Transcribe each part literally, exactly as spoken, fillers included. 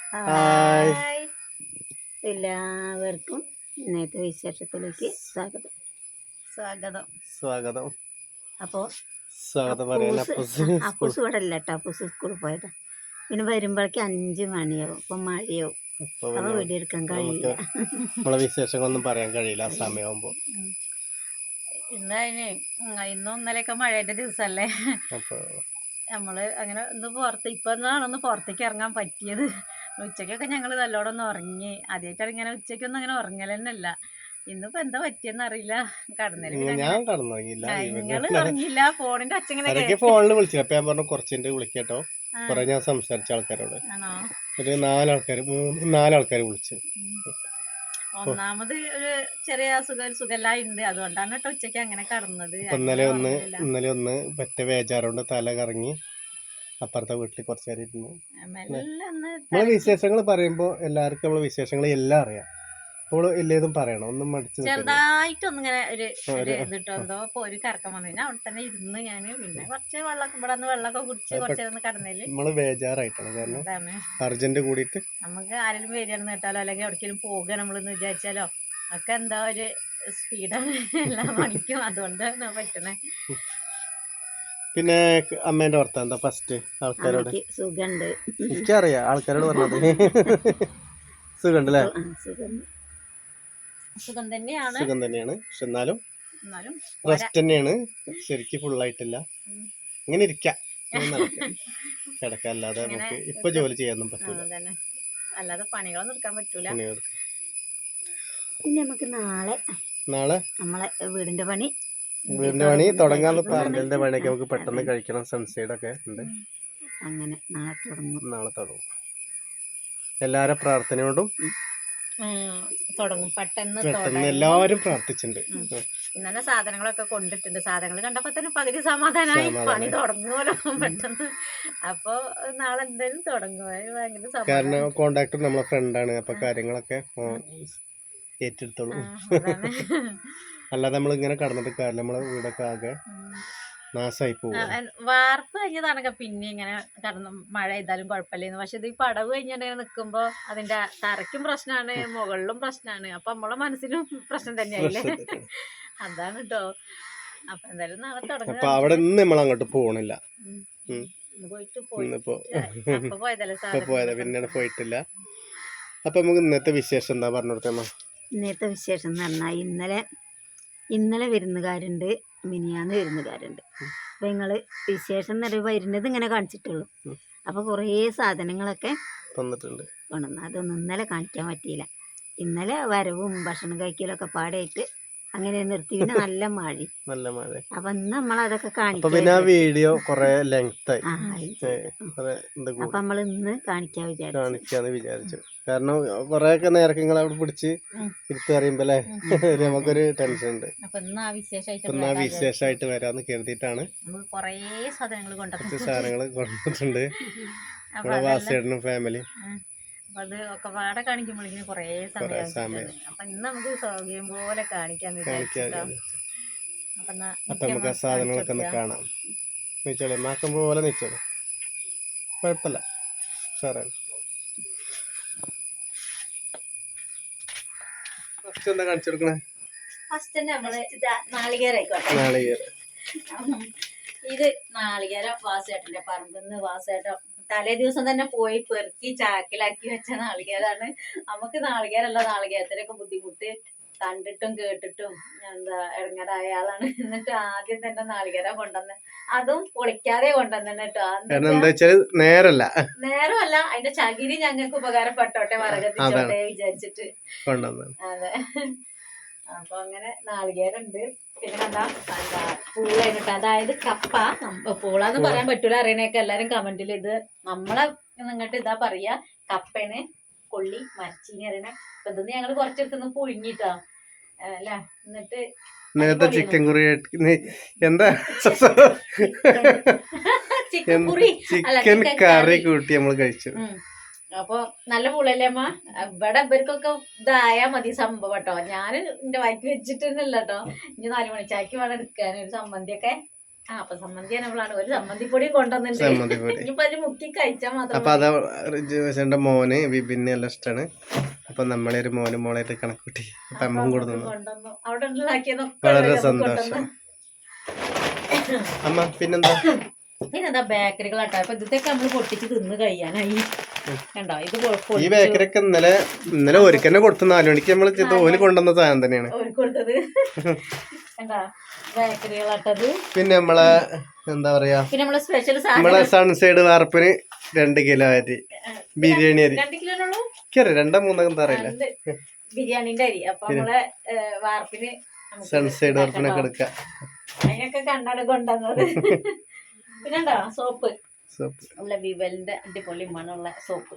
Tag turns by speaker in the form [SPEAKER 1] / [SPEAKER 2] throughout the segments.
[SPEAKER 1] Hi
[SPEAKER 2] hi എല്ലാവർക്കും ഇന്നത്തെ വിശേഷത്തിലേക്ക് സ്വാഗതം
[SPEAKER 1] സ്വാഗതം
[SPEAKER 2] സ്വാഗതം
[SPEAKER 1] അപ്പോൾ
[SPEAKER 2] സ്വാഗതം പറയാൻ അപ്പൂസ് ഇവിടെ അല്ല കേട്ടോ. അപ്പൂസ് സ്കൂളിൽ പോയതാ. പിന്നെ വരുമ്പോഴേക്ക് അഞ്ച് മണിയാവും. അപ്പം മഴയാവും. അപ്പോൾ വീഡിയോ എടുക്കാൻ കഴിയില്ല.
[SPEAKER 1] നമ്മളെ വിശേഷങ്ങളൊന്നും പറയാൻ കഴിയില്ല ആ സമയമാകുമ്പോൾ.
[SPEAKER 3] ഇന്നതിന് ഇന്നും ഇന്നലെയൊക്കെ മഴയുടെ ദിവസമല്ലേ.
[SPEAKER 1] അപ്പോൾ
[SPEAKER 3] നമ്മള് അങ്ങനെ ഒന്ന് പുറത്ത് ഇപ്പൊ ഒന്ന് പുറത്തേക്ക് ഇറങ്ങാൻ പറ്റിയത്. ഉച്ചക്കൊക്കെ ഞങ്ങൾ നല്ലോണം ഒന്ന് ഉറങ്ങി. ആദ്യമായിട്ടാണ് ഇങ്ങനെ ഉച്ചക്കൊന്നും അങ്ങനെ ഉറങ്ങൽ തന്നെ അല്ല. ഇന്നിപ്പോ എന്താ പറ്റിയെന്ന് അറിയില്ല. കടന്നല്
[SPEAKER 1] ഞാൻ കടന്നുറങ്ങിയില്ല.
[SPEAKER 3] നിങ്ങള് ഉറങ്ങിയില്ല. ഫോണിന്റെ അച്ഛങ്ങനെ
[SPEAKER 1] ഫോണിൽ വിളിച്ചില്ല. അപ്പൊ ഞാൻ പറഞ്ഞു കുറച്ചിട്ട് വിളിക്കട്ടോ. കുറെ ഞാൻ സംസാരിച്ച ആൾക്കാരോട്
[SPEAKER 3] ആണോ
[SPEAKER 1] ഒരു നാലാൾക്കാർ മൂന്ന് നാലാൾക്കാർ വിളിച്ചു.
[SPEAKER 3] ഒന്നാമത് ഒരു ചെറിയ സുഖ സുഖല്ലായി ഉണ്ട്. അതുകൊണ്ടാണ് കേട്ടോ ഉച്ചക്ക് അങ്ങനെ കടന്നത്.
[SPEAKER 1] ഇന്നലെ ഒന്ന് ഇന്നലെ ഒന്ന് പറ്റ വേജാറുകൊണ്ട് തല കറങ്ങി അപ്പുറത്തെ വീട്ടിൽ കുറച്ച് നേരം ഇരുന്നു. നമ്മളെ വിശേഷങ്ങൾ പറയുമ്പോ എല്ലാവർക്കും നമ്മളെ വിശേഷങ്ങൾ എല്ലാം അറിയാം. അപ്പോൾ എല്ലാതും പറയണം. ഒന്നും മടിച്ചു
[SPEAKER 3] ചെറുതായിട്ടൊന്നും ഇങ്ങനെ ഒരു ഇതിട്ടോ എന്തോ ഒരു കറക്കം വന്നു. ഞാൻ അവിടെ തന്നെ ഇരുന്ന് ഞാൻ പിന്നെ കുറച്ച് വെള്ളമൊക്കെ ഇവിടെ നിന്ന് വെള്ളമൊക്കെ കുടിച്ച് കുറച്ച് നേരം കടന്നേല്
[SPEAKER 1] നമ്മള് ബേജാറായിട്ടാണ്. കാരണം അർജന്റ് കൂടിയിട്ട് നമുക്ക്
[SPEAKER 3] ആരെങ്കിലും വരികയാണെന്ന് കേട്ടാലോ അല്ലെങ്കിൽ എവിടേക്കെങ്കിലും പോകുക നമ്മളെന്ന് വിചാരിച്ചാലോ ഒക്കെ എന്താ ഒരു സ്പീഡാണ് എല്ലാം മണിക്കും. അതുകൊണ്ടാണ് പറ്റണേ.
[SPEAKER 1] പിന്നെ അമ്മേന്റെ വർത്താനം എന്താ ഫസ്റ്റ് ആൾക്കാരോട്?
[SPEAKER 2] സുഖമുണ്ട്.
[SPEAKER 1] എനിക്കറിയാം ആൾക്കാരോട് പറഞ്ഞത്. സുഖമുണ്ട് അല്ലേ?
[SPEAKER 3] സുഖം തന്നെയാണ്.
[SPEAKER 1] സുഖം തന്നെയാണ്. പക്ഷെ എന്നാലും റെസ്റ്റ് തന്നെയാണ്. ശരിക്കും ഫുള്ളായിട്ടില്ല. ഇങ്ങനെ ഇരിക്കാം കിടക്കാം. അല്ലാതെ നമുക്ക് ഇപ്പൊ ജോലി ചെയ്യാനൊന്നും പറ്റൂല.
[SPEAKER 3] അല്ലാതെ പണികളൊന്നും എടുക്കാൻ പറ്റൂല.
[SPEAKER 2] പിന്നെ നമുക്ക് നാളെ
[SPEAKER 1] നാളെ
[SPEAKER 2] നമ്മളെ വീടിന്റെ പണി
[SPEAKER 1] വീടിന്റെ പണി തുടങ്ങാനുള്ള പാർലറിന്റെ പണിയൊക്കെ നമുക്ക് പെട്ടെന്ന് കഴിക്കണം. സൺസൈഡ് ഒക്കെ ഉണ്ട്.
[SPEAKER 2] അങ്ങനെ നാളെ തുടങ്ങും.
[SPEAKER 1] നാളെ തുടങ്ങും. എല്ലാരും പ്രാർത്ഥനയോടും
[SPEAKER 3] തുടങ്ങും. പെട്ടെന്ന്
[SPEAKER 1] പെട്ടെന്ന് എല്ലാവരും പ്രാർത്ഥിച്ചിട്ടുണ്ട്.
[SPEAKER 3] ഇന്നലെ സാധനങ്ങളൊക്കെ കൊണ്ടിട്ടുണ്ട്. സാധനങ്ങൾ കണ്ടപ്പോ തന്നെ പകുതി സമാധാനമായി. പണി തുടങ്ങുമല്ലോ പെട്ടെന്ന്. അപ്പൊ നാളെ എന്തായാലും തുടങ്ങും. ഭയങ്കര
[SPEAKER 1] കാരണം കോണ്ടാക്ടർ നമ്മളെ ഫ്രണ്ടാണ്. അപ്പൊ കാര്യങ്ങളൊക്കെ ഏറ്റെടുത്തോളൂ. അല്ലാതെ നമ്മൾ ഇങ്ങനെ കടന്നിട്ട് കാര്യം നമ്മളെ വീടൊക്കെ ആകെ നാശമായി പോകും.
[SPEAKER 3] വാർപ്പ് കഴിഞ്ഞതാണെങ്കിൽ പിന്നെ ഇങ്ങനെ കടന്ന് മഴ ചെയ്താലും കുഴപ്പമില്ലെന്ന്. പക്ഷെ ഇത് ഈ പടവ് കഴിഞ്ഞിട്ട് നിൽക്കുമ്പോ അതിന്റെ തറയ്ക്കും പ്രശ്നമാണ്, മുകളിലും പ്രശ്നമാണ്. അപ്പൊ നമ്മളെ മനസ്സിലും പ്രശ്നം തന്നെയായില്ലേ. അതാണ് കേട്ടോ. അപ്പൊ എന്തായാലും നാളെ തുടങ്ങും.
[SPEAKER 1] അപ്പൊ അവിടെ നിന്ന് നമ്മൾ അങ്ങോട്ട് പോകണില്ല.
[SPEAKER 3] പോയിട്ട് പോയതല്ലേ
[SPEAKER 1] പോയത് പിന്നീട് പോയിട്ടില്ല. അപ്പൊ നമുക്ക് ഇന്നത്തെ വിശേഷം എന്താ പറഞ്ഞു കൊടുക്കാമോ?
[SPEAKER 2] ഇന്നത്തെ വിശേഷം എന്ന് പറഞ്ഞാൽ ഇന്നലെ ഇന്നലെ വിരുന്നുകാരുണ്ട്, മിനിയാന്ന് വിരുന്നുകാരുണ്ട്. അപ്പം നിങ്ങൾ വിശേഷം എന്ന് പറയുമ്പോൾ വരുന്നത് ഇങ്ങനെ കാണിച്ചിട്ടുള്ളൂ. അപ്പോൾ കുറേ സാധനങ്ങളൊക്കെ
[SPEAKER 1] തന്നിട്ടുണ്ട്
[SPEAKER 2] കൊണ്ടുവന്നു. അതൊന്നും ഇന്നലെ കാണിക്കാൻ പറ്റിയില്ല. ഇന്നലെ വരവും ഭക്ഷണം കഴിക്കലൊക്കെ പാടായിട്ട് അങ്ങനെ നിർത്തി. പിന്നെ നല്ല മഴ
[SPEAKER 1] നല്ല മഴ.
[SPEAKER 2] അപ്പൊ ഇന്ന് നമ്മളതൊക്കെ കാണിക്കാം.
[SPEAKER 1] പിന്നെ ആ വീഡിയോ കുറെ ലെങ്ത് ആയി.
[SPEAKER 2] അപ്പൊ നമ്മൾ ഇന്ന് കാണിക്കാൻ വിചാരിച്ചു
[SPEAKER 1] കാണിക്കാന്ന് വിചാരിച്ചു. കാരണം കൊറേ ഒക്കെ നേരൊക്കെ നിങ്ങൾ അവിടെ പിടിച്ച് എടുത്ത് അറിയുമ്പോ അല്ലേ നമുക്കൊരു ടെൻഷൻ ഉണ്ട്.
[SPEAKER 3] ഇന്ന്
[SPEAKER 1] ആ വിശേഷമായിട്ട് വരാന്ന് കരുതിയിട്ടാണ്
[SPEAKER 3] കുറേ സാധനങ്ങൾ
[SPEAKER 1] സാധനങ്ങൾ കൊണ്ടിട്ടുണ്ട്. നമ്മളെ വാസേട്ടനും ഫാമിലി.
[SPEAKER 3] അത് ഒക്കെ പാടെ കാണിക്കുമ്പോഴേക്കും കുറേ സമയം. അപ്പൊ ഇന്ന് നമുക്ക് സൗകര്യം പോലെ കാണിക്കാൻ
[SPEAKER 1] അപ്പൊ നമുക്ക് ആ സാധനങ്ങളൊക്കെ ഒന്ന് കാണാം. നിച്ചോളെ മാക്കം പോലെ നിച്ചോളെ, കുഴപ്പമില്ല. സാറാണ് ഫസ്റ്റ് എന്താ കാണിച്ചു കൊടുക്കണേ?
[SPEAKER 3] ഫസ്റ്റ് നമ്മള് നാളികേരായിക്കോട്ടെ.
[SPEAKER 1] നാളികേരം.
[SPEAKER 3] ഇത് നാളികേരം വാസേട്ടന്റെ പറമ്പിന്ന് വാസേട്ടൻ തലേ ദിവസം തന്നെ പോയി പെറുക്കി ചാക്കിലാക്കി വെച്ച നാളികേരാണ്. നമുക്ക് നാളികേരല്ല, നാളികേരത്തിനൊക്കെ ബുദ്ധിമുട്ട് കണ്ടിട്ടും കേട്ടിട്ടും എന്താ ഇടങ്ങേറായ ആളാണ്. എന്നിട്ട് ആദ്യം തന്നെ നാളികേരം കൊണ്ടുവന്ന് അതും പൊളിക്കാതെ കൊണ്ടുവന്നെ കേട്ടോ.
[SPEAKER 1] നേരല്ല
[SPEAKER 3] നേരമല്ല, അതിന്റെ ചകിരി ഞങ്ങൾക്ക് ഉപകാരപ്പെട്ടോട്ടെ, വറകത്തിച്ചോട്ടെ വിചാരിച്ചിട്ട്. അതെ. അപ്പൊ അങ്ങനെ നാളികേരുണ്ട്. പിന്നെ കണ്ടാ എന്താ പൂളായിട്ട്, അതായത് കപ്പ. പൂളാന്ന് പറയാൻ പറ്റൂല, അറിയണേക്കെ എല്ലാരും കമന്റിൽ. ഇത് നമ്മളെ നിങ്ങട്ട് ഇതാ പറയാ കപ്പേന്, കൊള്ളി മരച്ചീനി അറിയണേ. അപ്പൊ ഇതൊന്ന് ഞങ്ങള് കുറച്ചെടുത്തുനിന്ന് പുഴുങ്ങിട്ടാ അല്ല. എന്നിട്ട്
[SPEAKER 1] നേരത്തെ ചിക്കൻ കുറി എന്താ ചിക്കൻ കറി കൂട്ടി നമ്മൾ കഴിച്ചു.
[SPEAKER 3] അപ്പൊ നല്ല പുളല്ലേ അമ്മ. ഇവിടെ ഇവർക്കൊക്കെ ഇതായാ മതി സംഭവം കേട്ടോ. ഞാൻ എന്റെ വയറ്റ് വെച്ചിട്ടല്ല കേട്ടോ. ഇനി നാല് മണിച്ചാക്കി വേണം എടുക്കാൻ ഒരു ചമ്മന്തിയൊക്കെ. ആ അപ്പൊ സമ്മന്തി നമ്മളാണ് ഒരു സമ്മന്തിപ്പൊടിയും കൊണ്ടുവന്നിട്ടുണ്ട്.
[SPEAKER 1] സമ്മന്തിപ്പൊടി
[SPEAKER 3] ഇനിയിപ്പോ അതിന് മുക്കി കഴിച്ചാൽ മാത്രം.
[SPEAKER 1] അപ്പൊ അതാ റിജുവേഷന്റെ മോന് വിപിന് എല്ലാം ഇഷ്ടമാണ്. അപ്പൊ നമ്മളെ ഒരു മോനും മോളായിട്ട് കണക്കൂട്ടി അപ്പൊ അമ്മ കൊടുത്തു.
[SPEAKER 3] കൊണ്ടുവന്നു അവിടെ ഉണ്ടാക്കിയതൊക്കെ
[SPEAKER 1] വളരെ സന്തോഷം. അമ്മ പിന്നെന്താ
[SPEAKER 3] പിന്നെന്താ ബേക്കറികളാട്ടോ. അപ്പൊ ഇതൊക്കെ നമ്മള് പൊട്ടിച്ച് തിന്ന് കഴിയാനായി. കണ്ടോ ഇത്
[SPEAKER 1] ഈ ബേക്കറിയൊക്കെ ഇന്നലെ ഇന്നലെ ഒരുക്കന്നെ കൊടുത്തു. നാലു മണിക്ക് നമ്മള് ഓല് കൊണ്ടുവന്ന സാധനം തന്നെയാണ്
[SPEAKER 3] ഒരു കൊടുത്തത്. കണ്ടോ ബേക്കറികളാട്ടത്.
[SPEAKER 1] പിന്നെ നമ്മളെ എന്താ പറയാ
[SPEAKER 3] പിന്നെ നമ്മളെ സ്പെഷ്യൽ
[SPEAKER 1] നമ്മളെ സൺസൈഡ് വാർപ്പിന് രണ്ട് കിലോ അരി ബിരിയാണി അരി.
[SPEAKER 3] രണ്ട് കിലോ ഉള്ളൂ.
[SPEAKER 1] രണ്ടോ മൂന്നോ എന്താ അറിയില്ല.
[SPEAKER 3] ബിരിയാണിന്റെ അരി. അപ്പൊ നമ്മളെ വാർപ്പിന്
[SPEAKER 1] സൺസൈഡ് വാർപ്പിനൊക്കെ എടുക്കാം.
[SPEAKER 3] അതിനൊക്കെ കണ്ടാണ് കൊണ്ടുവന്നത്. പിന്നെണ്ടോ സോപ്പ്
[SPEAKER 1] സോപ്പ്
[SPEAKER 3] ഉള്ള വിവലിന്റെ അടിപൊളി മണമുള്ള സോപ്പ്.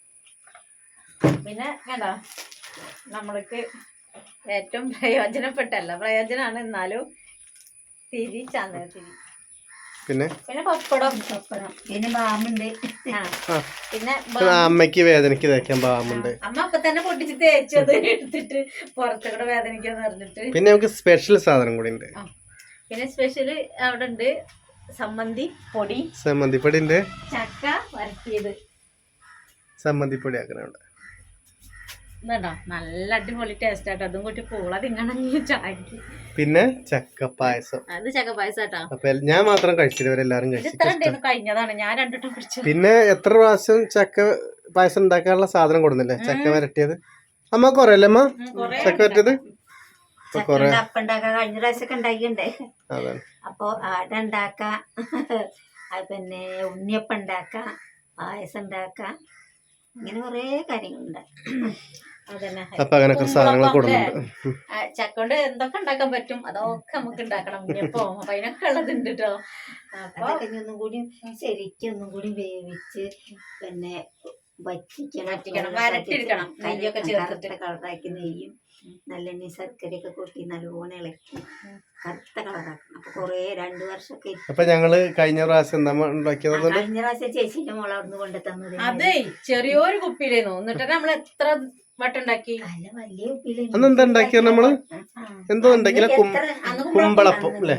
[SPEAKER 3] പിന്നെ കണ്ടോ നമ്മൾക്ക് ഏറ്റവും പ്രയോജനപ്പെട്ടല്ല പ്രയോജനമാണ് എന്നാലും തിരി ചന്ദന തിരി.
[SPEAKER 1] പിന്നെ
[SPEAKER 3] പിന്നെ പപ്പടം
[SPEAKER 2] പപ്പടം പിന്നെ ബാമുണ്ട്.
[SPEAKER 3] പിന്നെ
[SPEAKER 1] അമ്മയ്ക്ക് വേദനയ്ക്ക് തേക്കാൻ ബാമുണ്ട്.
[SPEAKER 3] അമ്മ അപ്പൊ തന്നെ പൊട്ടിച്ച് തേച്ചത് എടുത്തിട്ട് പുറത്തുകൂടെ വേദനിക്കാന്ന് പറഞ്ഞിട്ട്.
[SPEAKER 1] പിന്നെ നമുക്ക് സ്പെഷ്യൽ സാധനം കൂടി ഉണ്ട്.
[SPEAKER 3] പിന്നെ സ്പെഷ്യല് അവിടെ ഉണ്ട് സമ്മന്തി പൊടി.
[SPEAKER 1] സമ്മന്തിപ്പൊടി ഉണ്ട്.
[SPEAKER 3] ചക്ക വരട്ടിയത്
[SPEAKER 1] സമ്മന്തിപ്പൊടി ആക്കുന്നുണ്ട്.
[SPEAKER 3] ഇതുണ്ടോ നല്ല അടിപൊളി ടേസ്റ്റ് ആട്ടോ. അതും കൂട്ടി പൂള തിങ്ങണമെങ്കിൽ ചാക്കി.
[SPEAKER 1] പിന്നെ ചക്ക പായസം.
[SPEAKER 3] അത് ചക്ക പായസം ആട്ടോ.
[SPEAKER 1] അപ്പൊ ഞാൻ മാത്രം കഴിച്ചില്ല, ഇവരെല്ലാരും കഴിച്ചു.
[SPEAKER 3] കഴിഞ്ഞതാണ് ഞാൻ രണ്ടിട്ടും കുടിച്ചു.
[SPEAKER 1] പിന്നെ എത്ര പ്രാവശ്യം ചക്ക പായസം ഉണ്ടാക്കാനുള്ള സാധനം കൊടുന്നില്ലേ? ചക്ക വരട്ടിയത് അമ്മ കൊറേ അല്ലേ അമ്മ ചക്ക വരട്ടിയത്?
[SPEAKER 2] അപ്പണ്ടാക്കാം. കഴിഞ്ഞ പ്രാവശ്യമൊക്കെ ഉണ്ടാക്കിണ്ടേ. അപ്പൊ ആട ഉണ്ടാക്കാം, പിന്നെ ഉണ്ണിയപ്പം ഉണ്ടാക്കാം, പായസം ഉണ്ടാക്കാം, ഇങ്ങനെ കൊറേ കാര്യങ്ങളുണ്ട്.
[SPEAKER 3] അതന്നെ
[SPEAKER 1] അപ്പൊ അങ്ങനൊക്കെ സാധനങ്ങൾ കൊടുക്കുന്നുണ്ട്.
[SPEAKER 3] ചക്ക കൊണ്ട് എന്തൊക്കെ ഉണ്ടാക്കാൻ പറ്റും അതൊക്കെ നമുക്ക് ഉണ്ടാക്കണം. ഉണ്ണിയപ്പോ അപ്പൊ അതിനൊക്കെ ഉള്ളതുണ്ട് കേട്ടോ.
[SPEAKER 2] അതൊക്കെ ഒന്നും കൂടി ശരിക്കും ഒന്നും കൂടി വേവിച്ച് പിന്നെ വറ്റിക്കണം,
[SPEAKER 3] വരട്ടിയെടുക്കണം. നെയ്യൊക്കെ ചേർത്തിട്ട്
[SPEAKER 2] കളറാക്കി നെയ്യും നല്ലെണ്ണ ശർക്കരയൊക്കെ കൂട്ടി നല്ലോണം ഇളക്കി കറുത്ത കളറാക്കണം. അപ്പൊ കൊറേ രണ്ടു വർഷമൊക്കെ.
[SPEAKER 1] അപ്പൊ ഞങ്ങള് കഴിഞ്ഞ പ്രാവശ്യം എന്താ ഉണ്ടാക്കിയത്?
[SPEAKER 2] കഴിഞ്ഞ പ്രാവശ്യം ചേച്ചിന്റെ മോളെ അവിടുന്ന് കൊണ്ടു തന്നത്
[SPEAKER 3] അതെ ചെറിയൊരു കുപ്പിയിലായിരുന്നു. എന്നിട്ട് നമ്മൾ എത്ര വട്ടുണ്ടാക്കി.
[SPEAKER 2] അല്ല വലിയ കുപ്പിയില്.
[SPEAKER 1] അന്നെന്താ ഉണ്ടാക്കിയത് നമ്മള്? എന്തോ ഉണ്ടാക്കില്ല, കുമ്പളപ്പം അല്ലേ?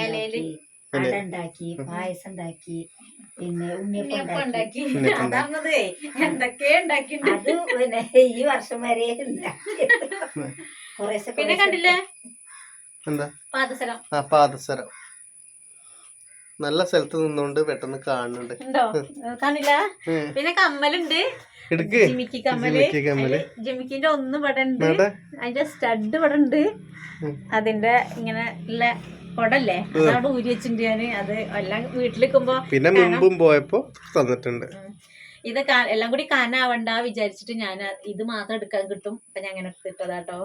[SPEAKER 2] അട ഉണ്ടാക്കി, പായസം ഉണ്ടാക്കി, പിന്നെ ഉണ്ണിയപ്പം ഉണ്ടാക്കി.
[SPEAKER 3] അതാണതേ എന്തൊക്കെ ഉണ്ടാക്കി.
[SPEAKER 2] അത് പിന്നെ ഈ വർഷം വരെ ഉണ്ടാക്കി.
[SPEAKER 3] പിന്നെ കണ്ടില്ലേ
[SPEAKER 1] എന്താ
[SPEAKER 3] പാദസരം.
[SPEAKER 1] ആ പാദസരം നല്ല സ്ഥലത്ത് നിന്നോണ്ട് പെട്ടെന്ന് കാണുന്നുണ്ട്.
[SPEAKER 3] ഉണ്ടോ കാണില്ല. പിന്നെ കമ്മലുണ്ട്. ജിമിക്കി കമ്മല്. ജിമിക്കിന്റെ ഒന്ന് ഇവിടെ ഉണ്ട്. അതിന്റെ സ്റ്റഡ് ഇവിടെ ഉണ്ട്. അതിന്റെ ഇങ്ങനെ ഉള്ള കൊടല്ലേ അതവിടെ ഊരി വെച്ചിട്ടുണ്ട് ഞാന്. അത് എല്ലാം വീട്ടിലിരിക്കുമ്പോ
[SPEAKER 1] പിന്നെ മുമ്പും പോയപ്പോ തന്നിട്ടുണ്ട്.
[SPEAKER 3] ഇത് എല്ലാം കൂടി കാനാവണ്ട വിചാരിച്ചിട്ട് ഞാൻ ഇത് മാത്രം എടുക്കാൻ കിട്ടും. അപ്പൊ ഞാൻ അങ്ങനെ എടുത്തിട്ടതാട്ടോ.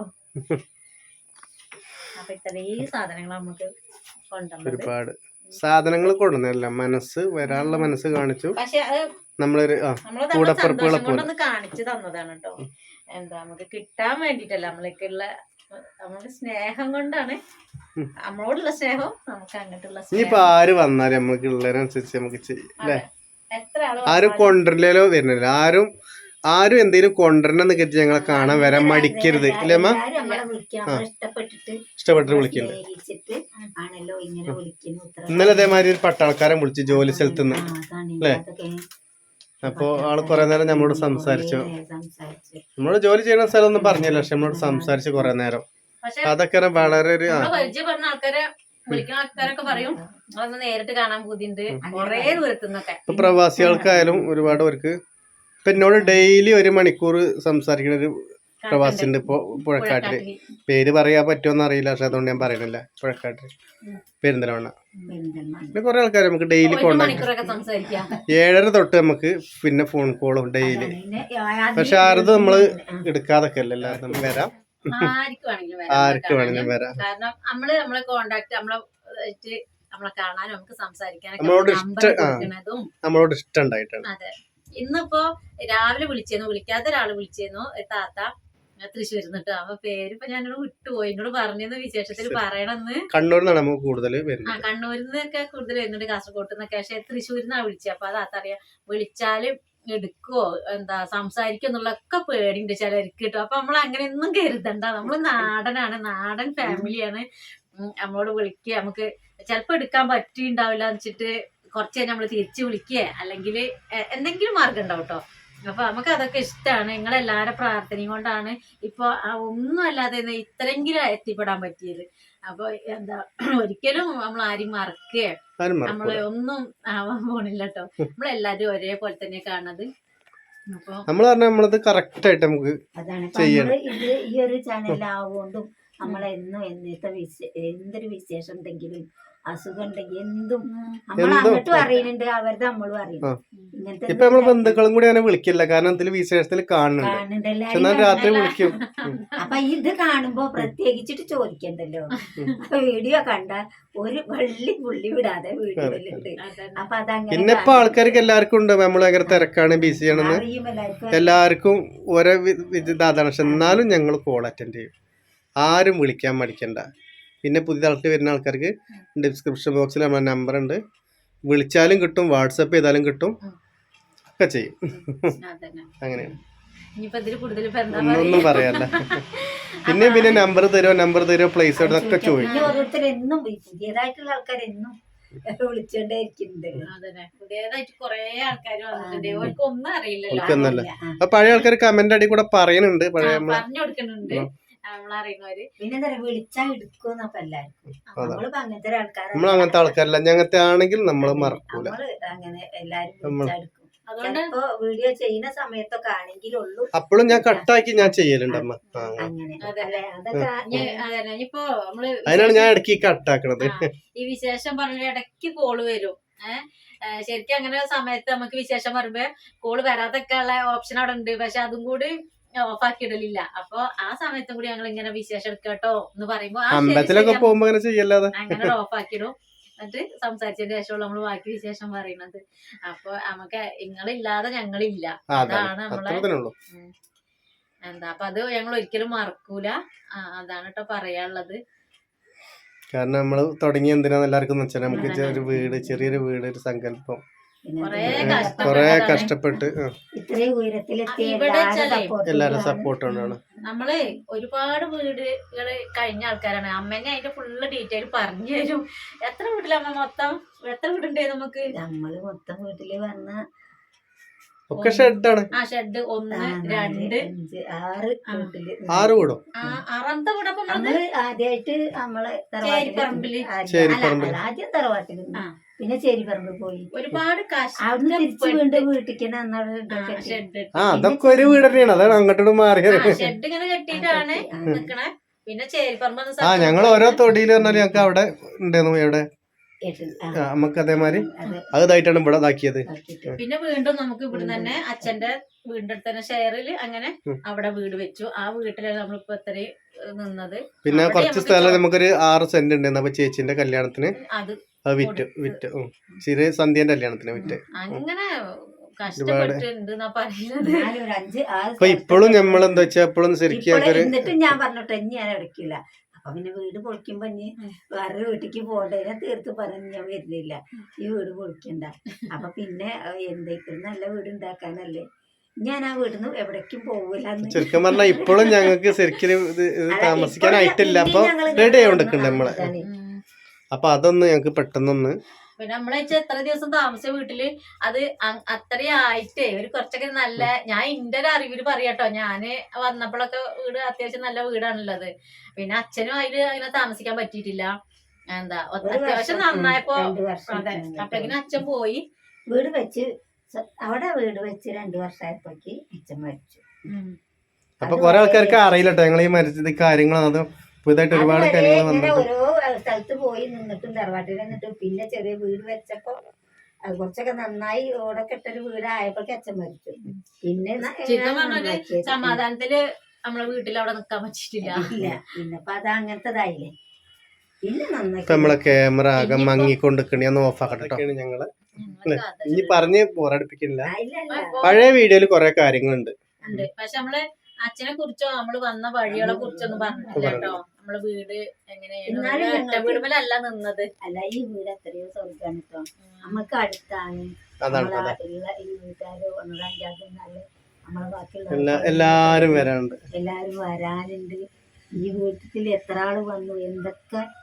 [SPEAKER 3] അപ്പൊ ഇത്രയും സാധനങ്ങൾ നമുക്ക് കൊണ്ടുവന്നത്.
[SPEAKER 1] ഒരുപാട് സാധനങ്ങൾ കൊണ്ടുവന്നല്ല, മനസ്സ് വരാനുള്ള മനസ്സ് കാണിച്ചു.
[SPEAKER 3] പക്ഷെ അത്
[SPEAKER 1] നമ്മളൊരു
[SPEAKER 3] സന്തോഷം കൊണ്ടൊന്ന് കാണിച്ചു തന്നതാണ് കേട്ടോ. എന്താ നമുക്ക് കിട്ടാൻ വേണ്ടിട്ടല്ല, നമ്മളേക്കുള്ള നമ്മുടെ സ്നേഹം കൊണ്ടാണ്. നമ്മളോടുള്ള സ്നേഹം നമുക്ക് അങ്ങോട്ടുള്ള
[SPEAKER 1] ഇനിയിപ്പോ ആര് വന്നാലും നമുക്ക് ഉള്ളതിനനുസരിച്ച് നമുക്ക് ചെയ്യും അല്ലേ?
[SPEAKER 3] എത്ര
[SPEAKER 1] ആരും കൊണ്ടുവരില്ലല്ലോ വരുന്നില്ല. ആരും ആരും എന്തെങ്കിലും കൊണ്ടുവരണമെന്ന് കരുതി ഞങ്ങളെ കാണാൻ വരാൻ മടിക്കരുത് ഇല്ലേ അമ്മ? ഇഷ്ടപ്പെട്ടിട്ട് വിളിക്കണ്ട്. ഇന്നലെ അതേമാതിരി ഒരു പട്ടാൾക്കാരൻ വിളിച്ചു ജോലി സ്ഥലത്ത് നിന്ന് അല്ലേ? അപ്പൊ ആള് കൊറേ നേരം നമ്മളോട് സംസാരിച്ചു. നമ്മളോട് ജോലി ചെയ്യുന്ന സ്ഥലം ഒന്നും പറഞ്ഞില്ല, പക്ഷെ നമ്മളോട് സംസാരിച്ചു കൊറേ നേരം. അതൊക്കെ വളരെ ഒരു
[SPEAKER 3] പരിചയപ്പെടുന്ന ആൾക്കാരെ വിളിക്കുന്ന ആൾക്കാരൊക്കെ പറയും അതൊന്ന് നേരിട്ട് കാണാൻ ബുദ്ധിമുട്ട് കൊറേ ദൂരത്തുനിന്നൊക്കെ.
[SPEAKER 1] ഇപ്പൊ പ്രവാസികൾക്കായാലും ഒരുപാട് പേർക്ക് ഇപ്പൊ എന്നോട് ഡെയിലി ഒരു മണിക്കൂർ സംസാരിക്കുന്ന ഒരു പ്രവാസി ഉണ്ട് ഇപ്പൊ പുഴക്കാട്ടില്. പേര് പറയാൻ പറ്റുമോന്ന് അറിയില്ല, പക്ഷെ അതുകൊണ്ട് ഞാൻ പറയണില്ല. പുഴക്കാട്ടില് പെരിന്തൽമണ്ണ. പിന്നെ കുറെ ആൾക്കാർ നമുക്ക് ഡെയിലി കോണ്ടാക്ട്. ഏഴര തൊട്ട് നമുക്ക് പിന്നെ ഫോൺ കോളും ഡെയിലി. പക്ഷെ ആരത് നമ്മള് എടുക്കാതൊക്കെ അല്ലല്ലോ, നമ്മൾ വരാം, ആർക്ക് വേണമെങ്കിലും വരാം.
[SPEAKER 3] കാരണം നമ്മള് നമ്മളെ കോണ്ടാക്ട് നമ്മളെ നമ്മളെ കാണാനും നമുക്ക് സംസാരിക്കാനും
[SPEAKER 1] നമ്മളോട് ഇഷ്ടം നമ്മളോട് ഇഷ്ടം ഉണ്ടായിട്ടാണ്.
[SPEAKER 3] അതെ. ഇന്നിപ്പോ രാവിലെ വിളിച്ചേന്നു, വിളിക്കാത്ത ഒരാള് വിളിച്ചേന്നു, താത്ത തൃശ്ശൂരിൽ നിന്നിട്ട്. അപ്പൊ പേരിപ്പോ ഞാനോട് വിട്ടുപോയി, എന്നോട് പറഞ്ഞെന്ന് വിശേഷത്തിൽ പറയണമെന്ന്.
[SPEAKER 1] കണ്ണൂരിൽ നിന്നാണ് നമുക്ക് കൂടുതൽ
[SPEAKER 3] ആ കണ്ണൂരിൽ നിന്നൊക്കെ കൂടുതൽ വരുന്നുണ്ട്, കാസർഗോട്ട് നിന്നൊക്കെ. പക്ഷെ തൃശ്ശൂരിൽ നിന്നാണ് വിളിച്ചത്. അപ്പൊ അത് താത്ത അറിയാം, വിളിച്ചാല് എടുക്കുവോ എന്താ സംസാരിക്കും എന്നുള്ളതൊക്കെ പേടിയുണ്ട് ചിലർക്ക് കിട്ടും. അപ്പൊ നമ്മൾ അങ്ങനെയൊന്നും കരുതണ്ട, നമ്മള് നാടനാണ്, നാടൻ ഫാമിലിയാണ്. നമ്മളോട് വിളിക്കുക, നമുക്ക് ചിലപ്പോ എടുക്കാൻ പറ്റിണ്ടാവില്ല എന്ന് വെച്ചിട്ട് കുറച്ച് കഴിഞ്ഞ് നമ്മള് തിരിച്ചു വിളിക്കുക അല്ലെങ്കിൽ എന്തെങ്കിലും മാർഗം ഉണ്ടാവും കേട്ടോ. അപ്പൊ നമുക്ക് അതൊക്കെ ഇഷ്ടമാണ്. നിങ്ങളെല്ലാരും പ്രാർത്ഥനയും കൊണ്ടാണ് ഇപ്പൊ ഒന്നും അല്ലാതെ ഇത്രയെങ്കിലും എത്തിപ്പെടാൻ പറ്റിയത്. അപ്പൊ എന്താ ഒരിക്കലും നമ്മൾ ആരും മറക്കുക നമ്മളെ ഒന്നും ആവാൻ പോണില്ല കേട്ടോ. നമ്മളെല്ലാരും ഒരേപോലെ തന്നെ കാണുന്നത്. അപ്പൊ
[SPEAKER 1] നമ്മൾ പറഞ്ഞാൽ നമ്മളത് കറക്റ്റ് ആയിട്ട് നമുക്ക്
[SPEAKER 2] അതാണ് ഇത് ഈ ഒരു ചാനലാവുകൊണ്ടും നമ്മളെന്നും എന്നത്തെ വിശേ എന്തൊരു വിശേഷം ഉണ്ടെങ്കിലും അസുഖം ഉണ്ടെങ്കിൽ എന്തും നമ്മൾ അങ്ങോട്ടും അറിയുന്നുണ്ട്, അവരുടെ നമ്മളും അറിയുന്നു. ഇങ്ങനത്തെ
[SPEAKER 1] ഇപ്പൊ നമ്മള് ബന്ധുക്കളും കൂടി അങ്ങനെ വിളിക്കില്ല, കാരണം ഇതില് വിശേഷത്തിൽ കാണുന്നുണ്ട്, രാത്രി വിളിക്കും.
[SPEAKER 2] അപ്പൊ ഇത് കാണുമ്പോ പ്രത്യേകിച്ചിട്ട് ചോദിക്കണ്ടല്ലോ. വീഡിയോ കണ്ട ഒരു വള്ളി പുള്ളി വിടാതെ വീഡിയോയിലുണ്ട്. അപ്പൊ അതങ്ങനെ
[SPEAKER 1] പിന്നെ ഇപ്പൊ ആൾക്കാർക്ക് എല്ലാവർക്കും ഉണ്ട് നമ്മൾ ഭയങ്കര തിരക്കാണ്, ബിസി ആണെന്ന് എല്ലാവർക്കും ഓരോ ഇതാണ്. പക്ഷെ എന്നാലും ഞങ്ങൾ കോൾ അറ്റൻഡ് ചെയ്യും, ആരും വിളിക്കാൻ മടിക്കണ്ട. പിന്നെ പുതിയ ആൾക്ക് വരുന്ന ആൾക്കാർക്ക് ഡിസ്ക്രിപ്ഷൻ ബോക്സിൽ നമ്മളെ നമ്പർ ഉണ്ട്, വിളിച്ചാലും കിട്ടും, വാട്സപ്പ് ചെയ്താലും കിട്ടും, ഒക്കെ ചെയ്യും. അങ്ങനെയാണ്, ഒന്നും പറയാല്ല. പിന്നെ പിന്നെ നമ്പർ തരുമോ നമ്പർ തരുമോ പ്ലേസ് ഒക്കെ ചോദിക്കും.
[SPEAKER 2] ഓരോരുത്തരെന്നും പുതിയതായിട്ടുള്ള ആൾക്കാരെന്നും
[SPEAKER 3] ഒന്നല്ല
[SPEAKER 1] അപ്പൊ പഴയ ആൾക്കാർ കമന്റ് അടി കൂടെ പറയുന്നുണ്ട്, പഴയ
[SPEAKER 2] പിന്നെ വിളിച്ചാ എടുക്കുന്നപ്പോ എല്ലാവർക്കും
[SPEAKER 1] നമ്മൾ അങ്ങനത്തെ ആൾക്കാരല്ല. ഞങ്ങത്തെ ആണെങ്കിൽ നമ്മൾ മറക്കൂല,
[SPEAKER 2] അങ്ങനെ എല്ലാരും വിളിച്ചെടുക്കും. അതുകൊണ്ട് വീഡിയോ ചെയ്യുന്ന സമയത്തൊക്കെ ആണെങ്കിലുള്ളൂ.
[SPEAKER 1] അപ്പോഴും ഞാൻ കട്ടാക്കി ഞാൻ ചെയ്യലുണ്ട് അമ്മ, അതിനാണ് ഞാൻ ഇടയ്ക്ക് കട്ടാക്കണത്.
[SPEAKER 3] ഈ വിശേഷം പറഞ്ഞ ഇടയ്ക്ക് കോള് വരും. ഏഹ് ശരിക്കും അങ്ങനെ സമയത്ത് നമുക്ക് വിശേഷം പറയുമ്പോ കോള് വരാതൊക്കെ ഉള്ള ഓപ്ഷൻ അവിടെ ഉണ്ട്, പക്ഷെ അതും കൂടി ഓഫ് ആക്കി ഇടലില്ല. അപ്പൊ ആ സമയത്തും കൂടി ഞങ്ങൾ ഇങ്ങനെ വിശേഷം എടുക്കട്ടോ എന്ന് പറയുമ്പോ
[SPEAKER 1] അമ്പലത്തിലൊക്കെ പോകുമ്പോ അങ്ങനെ ചെയ്യല്ലാതെ
[SPEAKER 3] അങ്ങനെ ഓഫ് ആക്കിടും. എന്നിട്ട് സംസാരിച്ചതിന് ശേഷമുള്ള നമ്മള് ബാക്കി വിശേഷം പറയുന്നത്. അപ്പൊ നമുക്ക് നിങ്ങളില്ലാതെ ഞങ്ങളില്ല, അതാണ് നമ്മളെ എന്താ. അപ്പൊ അത് ഞങ്ങൾ ഒരിക്കലും മറക്കൂല, അതാണ് കേട്ടോ പറയാനുള്ളത്.
[SPEAKER 1] കാരണം നമ്മള് തുടങ്ങി എന്തിനാന്ന് എല്ലാവർക്കും വെച്ചാൽ നമുക്ക് ഒരു വീട്, ചെറിയൊരു വീട്, ഒരു സങ്കല്പം കൊറേ കഷ്ടപ്പെട്ട് എല്ലാരും സപ്പോർട്ട് കൊണ്ടാണ്.
[SPEAKER 3] നമ്മള് ഒരുപാട് വീടുകള് കഴിഞ്ഞ ആൾക്കാരാണ്. അമ്മേനെ അതിന്റെ ഫുള്ള് ഡീറ്റെയിൽ പറഞ്ഞു തരും. എത്ര വീട്ടിലമ്മ മൊത്തം എത്ര വീടുണ്ടേ നമുക്ക്?
[SPEAKER 2] നമ്മള് മൊത്തം വീട്ടില് വന്ന
[SPEAKER 1] ഒക്കെ ഷെഡാണ്.
[SPEAKER 3] ആ ഷെഡ് ഒന്ന് രണ്ട്
[SPEAKER 2] ആറ് വീട്ടില്
[SPEAKER 1] ആറ് വീടും
[SPEAKER 3] ആറാമത്തെ വീടൊക്കെ
[SPEAKER 2] നമ്മള് ആദ്യമായിട്ട് നമ്മളെ
[SPEAKER 3] ചേരിപ്പറമ്പില്
[SPEAKER 2] ആദ്യം തറവാട്ടിൽ, പിന്നെ ചേരിപ്പറമ്പിൽ പോയി
[SPEAKER 3] ഒരുപാട്
[SPEAKER 2] അവിടുന്ന് തിരിച്ച് വീണ്ടും വീട്ടിക്ക്
[SPEAKER 1] ആ അതൊക്കെ ഒരു വീട് തന്നെയാണ്, അതാണ് അങ്ങോട്ടും മാറിയത്.
[SPEAKER 3] ഷെഡ് ഇങ്ങനെ കെട്ടിയിട്ടാണ് നിക്കണേ. പിന്നെ ചേരിപ്പറമ്പ്
[SPEAKER 1] ആ ഞങ്ങൾ ഓരോ തൊടിയിൽ പറഞ്ഞാൽ ഞങ്ങൾക്ക് അവിടെ ഉണ്ടായിരുന്നു, എവിടെ നമുക്ക് അതേമാതിരി അതായിട്ടാണ് ഇവിടെ ഇതാക്കിയത്.
[SPEAKER 3] പിന്നെ വീണ്ടും നമുക്ക് ഇവിടെ തന്നെ അച്ഛന്റെ വീടിന്റെ അടുത്ത് തന്നെ ഷെയറില് അങ്ങനെ അവിടെ വീട് വെച്ചു. ആ വീട്ടിലാണ് നമ്മളിപ്പോ ഇത്രയും നിന്നത്.
[SPEAKER 1] പിന്നെ കുറച്ച് സ്ഥലം നമുക്കൊരു ആറ് സെന്റ് ഉണ്ടായിരുന്നു. അപ്പൊ ചേച്ചിന്റെ കല്യാണത്തിന്
[SPEAKER 3] അത്
[SPEAKER 1] വിറ്റ് വിറ്റ് ചെറിയ സന്ധ്യന്റെ കല്യാണത്തിന് വിറ്റ്.
[SPEAKER 3] അങ്ങനെ കഷ്ടപ്പെട്ടിട്ടുണ്ടെന്നാ പറയുന്നത്.
[SPEAKER 1] അപ്പൊ ഇപ്പോഴും നമ്മളെന്താ വെച്ചാ എപ്പോഴും ശരിക്കും
[SPEAKER 2] എന്നിട്ടും ഞാൻ പറഞ്ഞോട്ടെ ഞാൻ എടുക്കില്ല. അപ്പൊ പിന്നെ വീട് പൊളിക്കുമ്പോ ഇനി വേറെ വീട്ടിക്ക് പോകണ്ടേ, ഞാൻ തീർത്ത് പറഞ്ഞു ഞാൻ വരുന്നില്ല, ഈ വീട് പൊളിക്കണ്ട. അപ്പൊ പിന്നെ എന്തെങ്കിലും നല്ല വീട് ഉണ്ടാക്കാനല്ലേ, ഞാൻ ആ വീടിന്ന് എവിടേക്കും പോവില്ല.
[SPEAKER 1] ശരിക്കും പറഞ്ഞാൽ ഇപ്പോഴും ഞങ്ങൾക്ക് ശരിക്കും താമസിക്കാനായിട്ടില്ല. അപ്പൊ റെഡി ആയിക്കൊണ്ടിരിക്കണ്ട നമ്മളെ. അപ്പൊ അതൊന്ന് ഞങ്ങക്ക് പെട്ടെന്നൊന്ന്
[SPEAKER 3] പിന്നെ നമ്മളെ എത്ര ദിവസം താമസിച്ച വീട്ടില് അത് അത്രയും ആയിട്ടേ ഒരു കുറച്ചൊക്കെ നല്ല, ഞാൻ എന്റെ ഒരു അറിവില് പറയാട്ടോ, ഞാന് വന്നപ്പോഴൊക്കെ വീട് അത്യാവശ്യം നല്ല വീടാണുള്ളത്. പിന്നെ അച്ഛനും അതില് അങ്ങനെ താമസിക്കാൻ പറ്റിയിട്ടില്ല. എന്താ അത്യാവശ്യം നന്നായപ്പോ അതെ അപ്പഴേക്കിനും അച്ഛൻ പോയി.
[SPEAKER 2] വീട് വെച്ച് അവിടെ വീട് വെച്ച് രണ്ടു വർഷമായപ്പോഴേക്ക് അച്ഛൻ മരിച്ചു.
[SPEAKER 1] അപ്പൊ കൊറേ ആൾക്കാർക്ക് അറിയില്ലട്ടോ ഞങ്ങൾ ഈ മരിച്ചത് കാര്യങ്ങളും അതും പുതുതായിട്ട് ഒരുപാട് കാര്യങ്ങൾ
[SPEAKER 2] ഓരോ സ്ഥലത്ത് പോയി നിന്നിട്ടും തറവാട്ടിൽ നിന്നിട്ടും പിന്നെ ചെറിയ വീട് വെച്ചപ്പോ കുറച്ചൊക്കെ നന്നായി ഓടൊക്കെ ഇട്ടൊരു വീടായപ്പോഴേക്ക് അച്ഛൻ മരിച്ചു. പിന്നെ
[SPEAKER 3] സമാധാനത്തില് നമ്മളെ വീട്ടിൽ അവിടെ നിക്കാൻ പറ്റിയിട്ടില്ല.
[SPEAKER 2] ഇല്ല പിന്നപ്പൊ അത് അങ്ങനത്തതായില്ലേ. പിന്നെ നന്നായി
[SPEAKER 1] നമ്മളെ ക്യാമറ ആകെ മങ്ങിക്കൊണ്ടിരിക്കണ ഒന്ന് ഓഫ് ആക്കട്ടെ ഞങ്ങള്. ഇനി പറഞ്ഞ് ബോറടിപ്പിക്കില്ല, പഴയ വീഡിയോയില് കൊറേ കാര്യങ്ങളുണ്ട്.
[SPEAKER 3] പക്ഷെ നമ്മള് അച്ഛനെ കുറിച്ചോ നമ്മള് വന്ന വഴികളെ കുറിച്ചൊന്നും പറഞ്ഞിട്ടില്ല കേട്ടോ. നമ്മള് വീട് എങ്ങനെയാണ് വീടുമല്ല നിന്നത്.
[SPEAKER 2] അല്ല ഈ വീട് എത്രയോ സ്വർഗാണ് കേട്ടോ, നമുക്ക് അടുത്താണ്. ഈ വീട്ടുകാര് ഒന്നരഞ്ചാറ് നാല് നമ്മളെ ബാക്കിയുള്ള
[SPEAKER 1] എല്ലാരും വരാനുണ്ട്
[SPEAKER 2] എല്ലാരും വരാനുണ്ട്. ഈ വീട്ടിൽ എത്ര ആള് വന്നു, എന്തൊക്കെ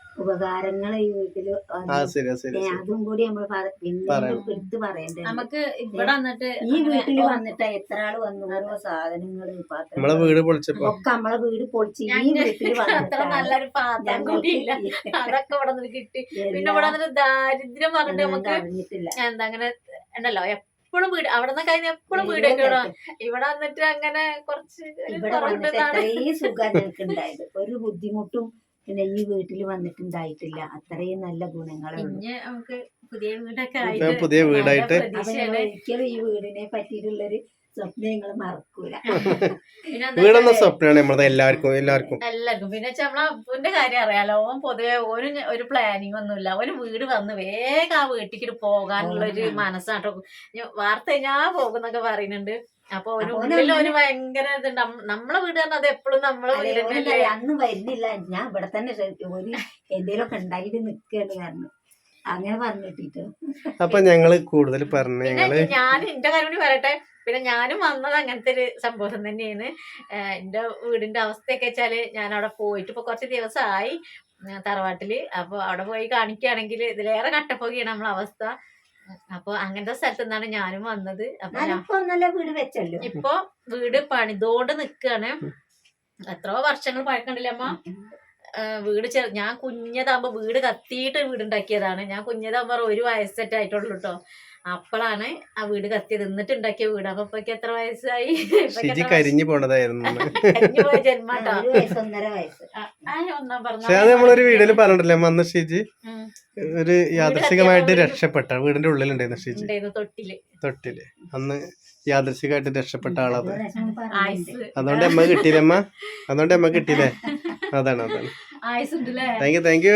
[SPEAKER 2] ഉപകാരങ്ങൾ ഈ വീട്ടില്
[SPEAKER 1] ആ ശരി ശരി
[SPEAKER 2] ഏ, അതും കൂടി നമ്മൾ പിന്നെ എടുത്ത് പറയണ്ടേ.
[SPEAKER 3] നമുക്ക് ഇവിടെ വന്നിട്ട്
[SPEAKER 2] ഈ വീട്ടില് വന്നിട്ട് എത്ര ആള് വന്നു, ഓരോ സാധനങ്ങള്
[SPEAKER 1] നമ്മളെ വീട് പൊളിച്ചപ്പോ
[SPEAKER 2] ഒക്കെ നമ്മളെ വീട് പൊളിച്ച് ഈ വീട്ടില്
[SPEAKER 3] അത്ര നല്ലൊരു പാത്രം കൂടിയില്ല, അതൊക്കെ ഇവിടെ നിന്ന് കിട്ടി. പിന്നെ ഇവിടെ വന്നിട്ട് ദാരിദ്ര്യം പറഞ്ഞിട്ട് നമുക്ക്
[SPEAKER 2] അറിഞ്ഞിട്ടില്ല.
[SPEAKER 3] എന്താ അങ്ങനെ ഉണ്ടല്ലോ എപ്പോഴും വീട് അവിടെ നിന്ന് കഴിഞ്ഞ എപ്പോഴും വീടൊക്കെ ഇവിടെ വന്നിട്ട് അങ്ങനെ കുറച്ച്
[SPEAKER 2] ഇവിടെ വന്നിട്ട് എത്രയും സുഖം ഞങ്ങൾക്ക് ഉണ്ടായത്, ഒരു ബുദ്ധിമുട്ടും പിന്നെ ഈ വീട്ടിൽ വന്നിട്ടുണ്ടായിട്ടില്ല. അത്രയും നല്ല ഗുണങ്ങളുള്ളൂ.
[SPEAKER 3] പിന്നെ നമുക്ക് പുതിയ വീടൊക്കെ
[SPEAKER 1] പുതിയ വീടായിട്ട്
[SPEAKER 2] ഒരിക്കലും ഈ വീടിനെ പറ്റിയിട്ടുള്ളൊരു സ്വപ്നം നിങ്ങൾ മറക്കൂല.
[SPEAKER 1] വീടെന്ന സ്വപ്നമാണ് നമ്മളത് എല്ലാവർക്കും എല്ലാവർക്കും
[SPEAKER 3] എല്ലാവർക്കും. പിന്നെ നമ്മളെ അപ്പൂന്റെ കാര്യം അറിയാലോ, ഓൻ പൊതുവെ ഒരു ഒരു പ്ലാനിങ് ഒന്നുമില്ല. ഒരു വീട് വന്ന് വേഗം ആ വീട്ടിലേക്ക് പോകാനുള്ള ഒരു മനസ്സാട്ടോ. വാർത്ത ഞാൻ പോകുന്നൊക്കെ പറയുന്നുണ്ട്. അപ്പൊ ഒരു ഉള്ളിൽ ഒരു ഭയങ്കര ഇതുണ്ട്. നമ്മളെ വീട് തന്നെ അത് എപ്പോഴും നമ്മളെ വീട്
[SPEAKER 2] അന്ന് വരുന്നില്ല, ഞാൻ ഇവിടെ തന്നെ ഒരു എന്തേലും ഒക്കെ ഉണ്ടായിട്ട് നിൽക്കുകയാണ് കാരണം അങ്ങനെ പറഞ്ഞിട്ടിട്ടോ.
[SPEAKER 1] അപ്പൊ ഞങ്ങള് കൂടുതൽ പറഞ്ഞു ഞങ്ങള്
[SPEAKER 3] ഞാൻ എന്റെ കാര്യം കൂടി പറയട്ടെ. പിന്നെ ഞാനും വന്നത് അങ്ങനത്തെ ഒരു സംഭവം തന്നെയാണ്. എന്റെ വീടിന്റെ അവസ്ഥയൊക്കെ വെച്ചാല് ഞാൻ അവിടെ പോയിട്ട് ഇപ്പൊ കുറച്ച് ദിവസമായി തറവാട്ടില്. അപ്പൊ അവിടെ പോയി കാണിക്കുകയാണെങ്കിൽ ഇതിലേറെ കട്ടപ്പൊക്കെയാണ് നമ്മളെ അവസ്ഥ. അപ്പൊ അങ്ങനത്തെ സ്ഥലത്ത് നിന്നാണ് ഞാനും വന്നത്. അപ്പൊ
[SPEAKER 2] നല്ല വീട് വെച്ചല്ലോ.
[SPEAKER 3] ഇപ്പൊ വീട് പണിതോണ്ട് നിക്കാണ്. എത്രയോ വർഷങ്ങൾ പഴക്കണ്ടില്ല അമ്മ. വീട് ചെറു ഞാൻ കുഞ്ഞതാകുമ്പോ വീട് കത്തിയിട്ട് വീടുണ്ടാക്കിയതാണ്. ഞാൻ കുഞ്ഞതാകുമ്പോ ഒരു വയസ്സെറ്റ് ആയിട്ടുള്ളൂ കേട്ടോ. അപ്പോഴാണ് ആ വീട് കത്തിയത്, എന്നിട്ട് ഉണ്ടാക്കിയ വീട്. അപ്പൊ ഇപ്പൊക്കെ എത്ര വയസ്സായി?
[SPEAKER 1] കരിഞ്ഞു പോണതായിരുന്നു
[SPEAKER 3] കരിഞ്ഞു പോയ ജന്മാട്ടോ.
[SPEAKER 2] ഒന്നര വയസ്സ്
[SPEAKER 3] ഒന്നാം പറഞ്ഞ
[SPEAKER 1] നമ്മളൊരു വീഡിയോയില് പറഞ്ഞിട്ടില്ലേ അന്ന് ഷീജി ഒരു യാദൃശികമായിട്ട് രക്ഷപ്പെട്ട വീടിന്റെ ഉള്ളിലുണ്ടായിരുന്നു ഷീജി
[SPEAKER 3] തൊട്ടില്
[SPEAKER 1] തൊട്ടില് അന്ന് യാദൃശികമായിട്ട് രക്ഷപ്പെട്ട ആളത്.
[SPEAKER 3] ആയുസ്
[SPEAKER 1] അതുകൊണ്ട് അമ്മ കിട്ടിയില്ലേ അമ്മ? അതുകൊണ്ട് അമ്മ കിട്ടിയില്ലേ? അതാണ് അതാണ്.
[SPEAKER 3] ആയുസ് ഉണ്ടല്ലേ.
[SPEAKER 1] Thank you thank you.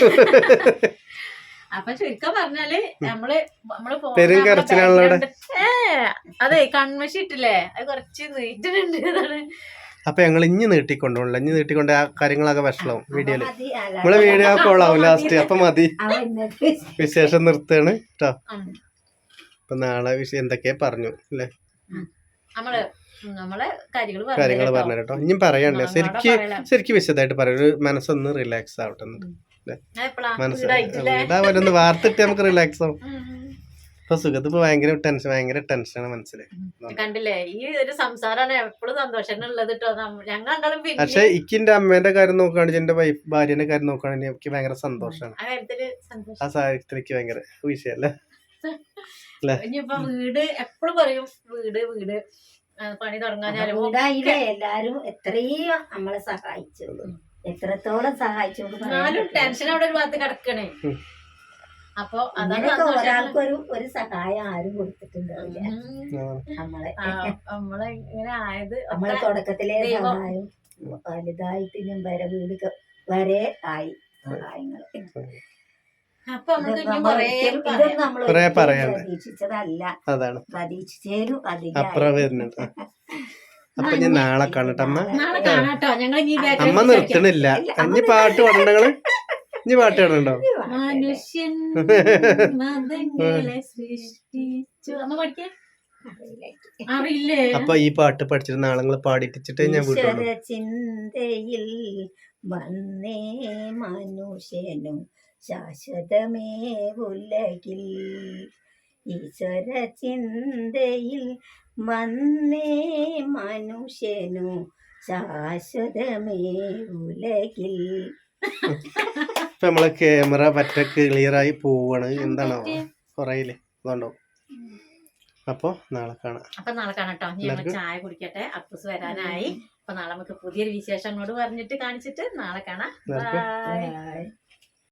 [SPEAKER 3] അപ്പൊ ചുരുക്കം പറഞ്ഞാല് നമ്മള് നമ്മള്
[SPEAKER 1] പെരും കരച്ചിലാണല്ലോ.
[SPEAKER 3] ഏ അതെ കൺമശി ഇട്ടില്ലേ, അത് കുറച്ച് നീട്ടിട്ടുണ്ട്. അതാണ്.
[SPEAKER 1] അപ്പൊ ഞങ്ങൾ ഇഞ്ഞ് നീട്ടിക്കൊണ്ടോളൂ. ഇഞ്ഞ് നീട്ടിക്കൊണ്ട് ആ കാര്യങ്ങളൊക്കെ വഷളാവും വീഡിയോയില്. നമ്മളെ വീഡിയോ കൊള്ളാവും ലാസ്റ്റ്. അപ്പൊ മതി, വിശേഷം നിർത്തുകയാണ് കേട്ടോ. അപ്പൊ നാളെ വിഷയം എന്തൊക്കെയാ പറഞ്ഞു അല്ലേ,
[SPEAKER 3] നമ്മള് നമ്മളെ കാര്യങ്ങൾ
[SPEAKER 1] കാര്യങ്ങൾ പറഞ്ഞു കേട്ടോ. ഇനിയും പറയണ്ടേ, ശരിക്ക് ശരിക്ക് വിശദമായിട്ട് പറയാം. ഒരു മനസ്സൊന്ന് റിലാക്സ് ആവട്ടെ. മനസ്സിലാവലൊന്ന് വാർത്തിട്ട് നമുക്ക് റിലാക്സ് ആവും. ഇപ്പൊ സുഖത്ത് ഇപ്പൊ ഭയങ്കര ടെൻഷൻ ഭയങ്കര ടെൻഷനാണ് മനസ്സില്.
[SPEAKER 3] കണ്ടില്ലേ, ഈ ഒരു സംസാരാണ് എപ്പോഴും സന്തോഷമുള്ളത് കേട്ടോ. ഞങ്ങളും
[SPEAKER 1] പക്ഷെ ഇക്കിന്റെ അമ്മേന്റെ കാര്യം നോക്കുകയാണെങ്കിൽ എന്റെ വൈഫ് ഭാര്യന്റെ കാര്യം നോക്കുകയാണെങ്കിൽ എനിക്ക് ഭയങ്കര സന്തോഷമാണ്. ആ സാഹചര്യത്തിൽ എനിക്ക് ഭയങ്കര വിഷയല്ലേ.
[SPEAKER 3] ഇനിയിപ്പൊ വീട് എപ്പോഴും പറയും വീട് വീട് പണി തുടങ്ങാനും
[SPEAKER 2] എല്ലാരും എത്രയും നമ്മളെ സഹായിച്ചു, എത്രത്തോളം സഹായിച്ചു.
[SPEAKER 3] ടെൻഷൻ അവിടെ ഒരു ഭാഗത്ത് കിടക്കണേ. അപ്പൊ
[SPEAKER 2] ഒരാൾക്കൊരു ഒരു സഹായം ആരും കൊടുത്തിട്ടുണ്ടാവില്ല. നമ്മളെ
[SPEAKER 3] നമ്മളെ ഇങ്ങനെ ആയത്
[SPEAKER 2] നമ്മളെ തുടക്കത്തിലെ സഹായം വലുതായിട്ട് ഞാൻ വരെ വീട് വരെ ആയി സഹായങ്ങള്.
[SPEAKER 3] അപ്പൊ
[SPEAKER 2] ഇതൊന്നും നമ്മൾ പ്രതീക്ഷിച്ചതല്ല, പ്രതീക്ഷിച്ചേലും അധികം.
[SPEAKER 1] അപ്പൊ ഞാൻ നാളെ കാണട്ടെ അമ്മ.
[SPEAKER 3] നാളെ കാണാട്ടോ. ഞങ്ങൾ
[SPEAKER 1] അമ്മ നിർത്തണില്ല. ഇനി പാട്ട് പാടണ്ടങ്ങള്, ഇനി പാട്ട് പാടണ്ടോ?
[SPEAKER 3] മനുഷ്യൻ മതങ്ങളെ സൃഷ്ടിച്ചു. അമ്മ പഠിക്കേ അറിയില്ലേ?
[SPEAKER 1] അപ്പൊ ഈ പാട്ട് പഠിച്ചിട്ട് നാളെ നിങ്ങൾ പാടിച്ചിട്ട് ഞാൻ വിട്ടു.
[SPEAKER 2] ചിന്തയിൽ വന്നേ മനുഷ്യനും ശാശ്വതമേ ഉലകിൽ, ഈശ്വര ചിന്തയിൽ വന്നേ മനുഷ്യനു ശാശ്വതമേ ഉലകിൽ.
[SPEAKER 1] ഇപ്പൊ നമ്മളെ ക്യാമറ പറ്റ ക്ലിയർ ആയി പോവാണ്. എന്താണോ കുറയില്ലേ, അതുകൊണ്ടോ. അപ്പൊ നാളെ കാണാം.
[SPEAKER 3] അപ്പൊ നാളെ കാണാട്ടോ. ഞങ്ങൾ ചായ കുടിക്കട്ടെ, അപ്പൂസ് വരാനായി. അപ്പൊ നാളെ നമുക്ക് പുതിയൊരു വിശേഷങ്ങളോട് പറഞ്ഞിട്ട് കാണിച്ചിട്ട് നാളെ കാണാം. ബൈ.